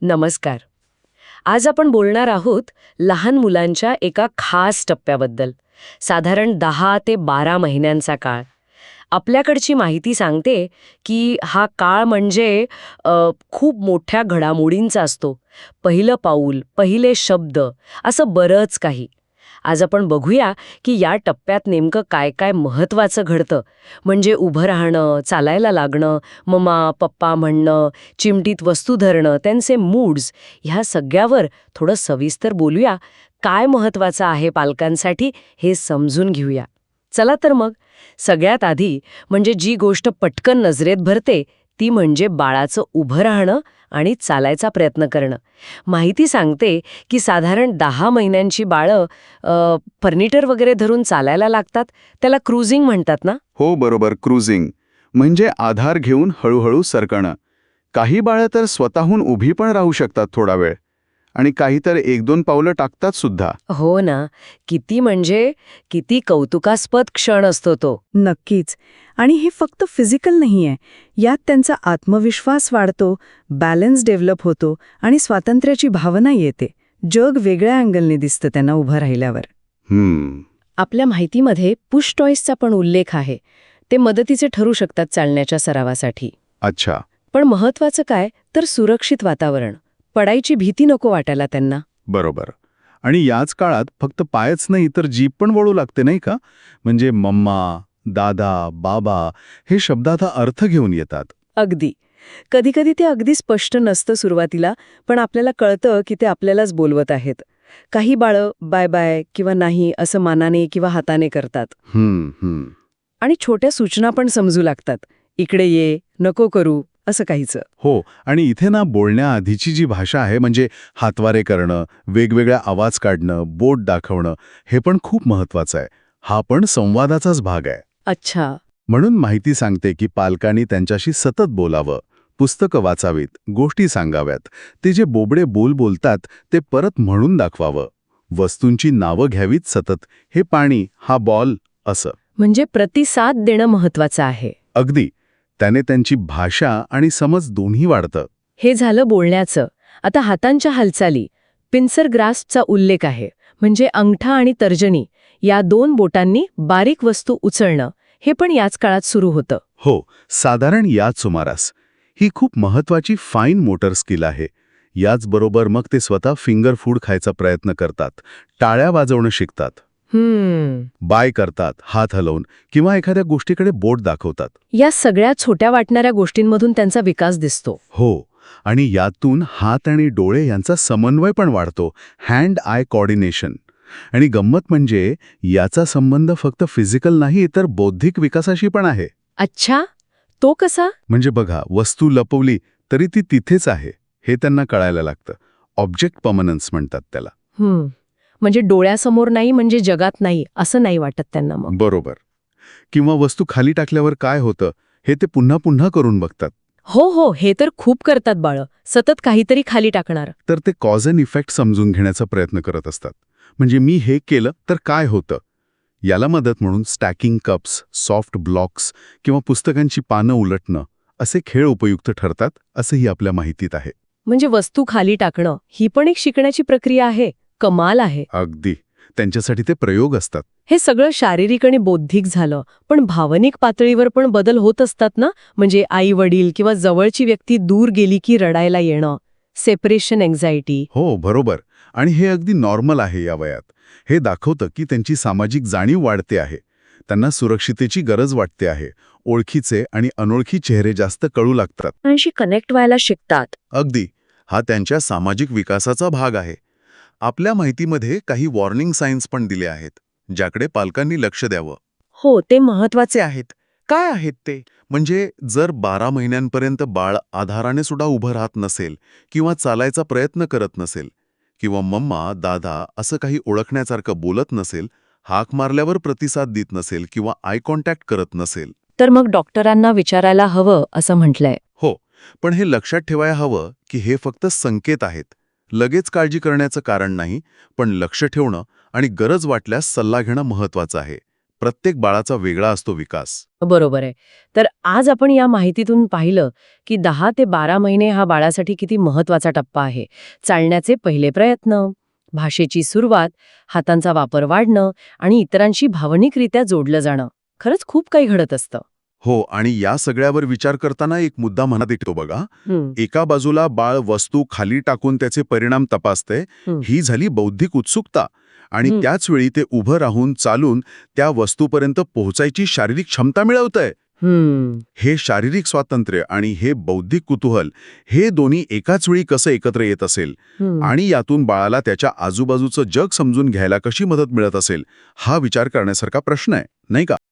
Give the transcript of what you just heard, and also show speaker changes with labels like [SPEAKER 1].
[SPEAKER 1] नमस्कार. आज आपण बोलणार आहोत लहान मुलांच्या एका खास टप्प्याबद्दल. साधारण 10 ते 12 महिन्यांचा काळ. आपल्याकडची माहिती सांगते की हा काळ म्हणजे खूप मोठ्या घडामोडींचा असतो. पहिलं पाऊल, पहिले शब्द, असं बरंच काही. आज आपण बघूया की या टप्प्यात नेमकं काय काय महत्त्वाचं घडतं. म्हणजे उभं राहणं, चालायला लागणं, मम्मा पप्पा म्हणणं, चिमटीत वस्तू धरणं, त्यांचे मूड्स, ह्या सगळ्यावर थोडं सविस्तर बोलूया. काय महत्त्वाचं आहे पालकांसाठी हे समजून घेऊया. चला तर मग. सगळ्यात आधी म्हणजे जी गोष्ट पटकन नजरेत भरते ती म्हणजे बाळाचं उभं राहणं आणि चालायचा प्रयत्न करणं. माहिती सांगते की साधारण 10 महिन्यांची बाळं फर्निचर वगैरे धरून चालायला लागतात. त्याला क्रूझिंग म्हणतात ना?
[SPEAKER 2] हो बरोबर, क्रूझिंग म्हणजे आधार घेऊन हळूहळू सरकणं. काही बाळं तर स्वतःहून उभी पण राहू शकतात थोडा वेळ, आणि काही तर 1-2 पावलं टाकतात सुद्धा.
[SPEAKER 1] हो ना. किती कौतुकास्पद क्षण असतो तो.
[SPEAKER 3] नक्कीच. आणि हे फक्त फिजिकल नाहीये. यात त्यांचा आत्मविश्वास वाढतो, बॅलन्स डेव्हलप होतो आणि स्वातंत्र्याची भावना येते. जग वेगळ्या अँगलने दिसतं त्यांना उभं राहिल्यावर.
[SPEAKER 1] आपल्या माहितीमध्ये पुश टॉईसचा पण उल्लेख आहे. ते मदतीचे ठरू शकतात चालण्याच्या सरावासाठी.
[SPEAKER 2] अच्छा.
[SPEAKER 1] पण महत्वाचं काय तर सुरक्षित वातावरण. पडायची भीती नको वाटायला त्यांना.
[SPEAKER 2] बरोबर. आणि याच काळात फक्त पायच नाही तर जीभ पण वळू लागते नाही का? म्हणजे मम्मा, दादा, बाबा हे शब्दाचा अर्थ घेऊन येतात.
[SPEAKER 1] अगदी. कधीकधी ते अगदी स्पष्ट नसतं सुरुवातीला, पण आपल्याला कळतं की ते आपल्यालाच बोलवत आहेत. काही बाळं बाय बाय किंवा नाही असं मानाने किंवा हाताने करतात. आणि छोट्या सूचना पण समजू लागतात. इकडे ये, नको करू, असं काहीच.
[SPEAKER 2] हो. आणि इथे ना बोलण्याआधीची जी भाषा आहे म्हणजे हातवारे करणं, वेगवेगळ्या आवाज काढणं, बोट दाखवणं, हे पण खूप महत्वाचं आहे. हा पण संवादाचाच भाग आहे.
[SPEAKER 1] अच्छा.
[SPEAKER 2] म्हणून माहिती सांगते की पालकांनी त्यांच्याशी सतत बोलावं, पुस्तकं वाचावीत, गोष्टी सांगाव्यात. ते जे बोबडे बोल बोलतात ते परत म्हणून दाखवावं. वस्तूंची नावं घ्यावीत सतत. हे पाणी, हा बॉल, असं.
[SPEAKER 1] म्हणजे प्रतिसाद देणं महत्वाचं आहे.
[SPEAKER 2] अगदी. त्याने त्यांची भाषा आणि समज दोन्ही वाढतं.
[SPEAKER 1] हे झालं बोलण्याचं. आता हातांच्या हालचाली. पिन्सर ग्रास्पचा उल्लेख आहे. म्हणजे अंगठा आणि तर्जनी या 2 बोटांनी बारीक वस्तू उचलणं, हे पण याच काळात सुरू होतं.
[SPEAKER 2] हो, साधारण याच सुमारास. ही खूप महत्वाची फाईन मोटर स्किल आहे. याचबरोबर मग ते स्वतः फिंगर फूड खायचा प्रयत्न करतात, टाळ्या वाजवणं शिकतात, बाय करतात हात हलवून, किंवा एखाद्या गोष्टीकडे बोट दाखवतात.
[SPEAKER 1] या सगळ्या छोट्या वाटणाऱ्या गोष्टींमधून त्यांचा विकास दिसतो.
[SPEAKER 2] हो. आणि यातून हात आणि डोळे यांचा समन्वय पण वाढतो, हँड आय कोऑर्डिनेशन. आणि गंमत म्हणजे याचा संबंध फक्त फिजिकल नाही तर बौद्धिक विकासाशी पण आहे.
[SPEAKER 1] अच्छा, तो कसा?
[SPEAKER 2] म्हणजे बघा, वस्तू लपवली तरी ती तिथेच आहे हे त्यांना कळायला लागतं. ऑब्जेक्ट पर्मनन्स म्हणतात त्याला.
[SPEAKER 1] म्हणजे डोळ्यासमोर नाही म्हणजे जगात नाही असं नाही वाटत त्यांना मग.
[SPEAKER 2] बरोबर. किंवा वस्तू खाली टाकल्यावर काय होतं हे ते पुन्हा पुन्हा करून बघतात.
[SPEAKER 1] हो, हे तर खूप करतात बाळं. सतत काहीतरी खाली टाकणार.
[SPEAKER 2] तर ते कॉज अँड इफेक्ट समजून घेण्याचा प्रयत्न करत असतात. म्हणजे मी हे केलं तर काय होतं. याला मदत म्हणून स्टॅकिंग कप्स, सॉफ्ट ब्लॉक्स किंवा पुस्तकांची पानं उलटणं असे खेळ उपयुक्त ठरतात, असंही आपल्या माहितीत आहे.
[SPEAKER 1] म्हणजे वस्तू खाली टाकणं ही पण एक शिकण्याची प्रक्रिया आहे. कमाल आहे.
[SPEAKER 2] अगदी. त्यांच्यासाठी ते प्रयोग असतात.
[SPEAKER 1] हे सगळं शारीरिक आणि बौद्धिक झालं, पण भावनिक पातळीवर पण बदल होत असतात ना? म्हणजे आई वडील किंवा जवळची व्यक्ती दूर गेली की रडायला येणं, सेपरेशन एन्झायटी.
[SPEAKER 2] हो बरोबर. आणि हे अगदी नॉर्मल आहे या वयात. हे दाखवतं की त्यांची सामाजिक जाणीव वाढते आहे. त्यांना सुरक्षितेची गरज वाटते आहे. ओळखीचे आणि अनोळखी चेहरे जास्त कळू लागतात.
[SPEAKER 1] त्यांशी कनेक्ट व्हायला शिकतात.
[SPEAKER 2] अगदी. हा त्यांच्या सामाजिक विकासाचा भाग आहे. आपल्या माहितीमध्ये काही वॉर्निंग साईन्स पण दिले आहेत, ज्याकडे पालकांनी लक्ष द्यावं.
[SPEAKER 1] हो, ते महत्वाचे
[SPEAKER 2] आहेत. काय आहेत ते? म्हणजे जर 12 महिन्यांपर्यंत बाळ आधाराने सुद्धा उभं राहत नसेल किंवा चालायचा प्रयत्न करत नसेल, किंवा मम्मा, दादा असं काही ओळखण्यासारखं बोलत नसेल, हाक मारल्यावर प्रतिसाद देत नसेल किंवा आय कॉन्टॅक्ट करत नसेल,
[SPEAKER 1] तर मग डॉक्टरांना विचारायला हवं असं म्हटलंय.
[SPEAKER 2] हो. पण हे लक्षात ठेवायला हवं की हे फक्त संकेत आहेत. लगेच काळजी करण्याचं कारण नाही, पण लक्ष ठेवणं आणि गरज वाटल्यास सल्ला घेणं महत्वाचं आहे. प्रत्येक बाळाचा वेगळा असतो विकास.
[SPEAKER 1] बरोबर आहे. तर आज आपण या माहितीतून पाहिलं की 10 ते 12 महिने हा बाळासाठी किती महत्वाचा टप्पा आहे. चालण्याचे पहिले प्रयत्न, भाषेची सुरुवात, हातांचा वापर वाढणं आणि इतरांशी भावनिकरित्या जोडलं जाणं. खरंच खूप काही घडत असतं.
[SPEAKER 2] हो, आणि या सगळ्यावर विचार करताना एक मुद्दा मनात येतो बघा.
[SPEAKER 1] हं,
[SPEAKER 2] एका बाजूला बाळ वस्तू खाली टाकून त्याचे परिणाम तपासते,
[SPEAKER 1] हं.
[SPEAKER 2] ही झाली बौद्धिक उत्सुकता. आणि
[SPEAKER 1] हं.
[SPEAKER 2] त्याच वेळी ते उभं राहून चालून त्या वस्तूपर्यंत पोहोचायची शारीरिक क्षमता मिळवतंय. हे शारीरिक स्वातंत्र्य आणि हे बौद्धिक कुतूहल, हे दोन्ही एकाच वेळी कसं एकत्र येत असेल आणि यातून बाळाला त्याच्या आजूबाजूचं जग समजून घ्यायला कशी मदत मिळत असेल, हा विचार करण्यासारखा प्रश्न आहे, नाही का?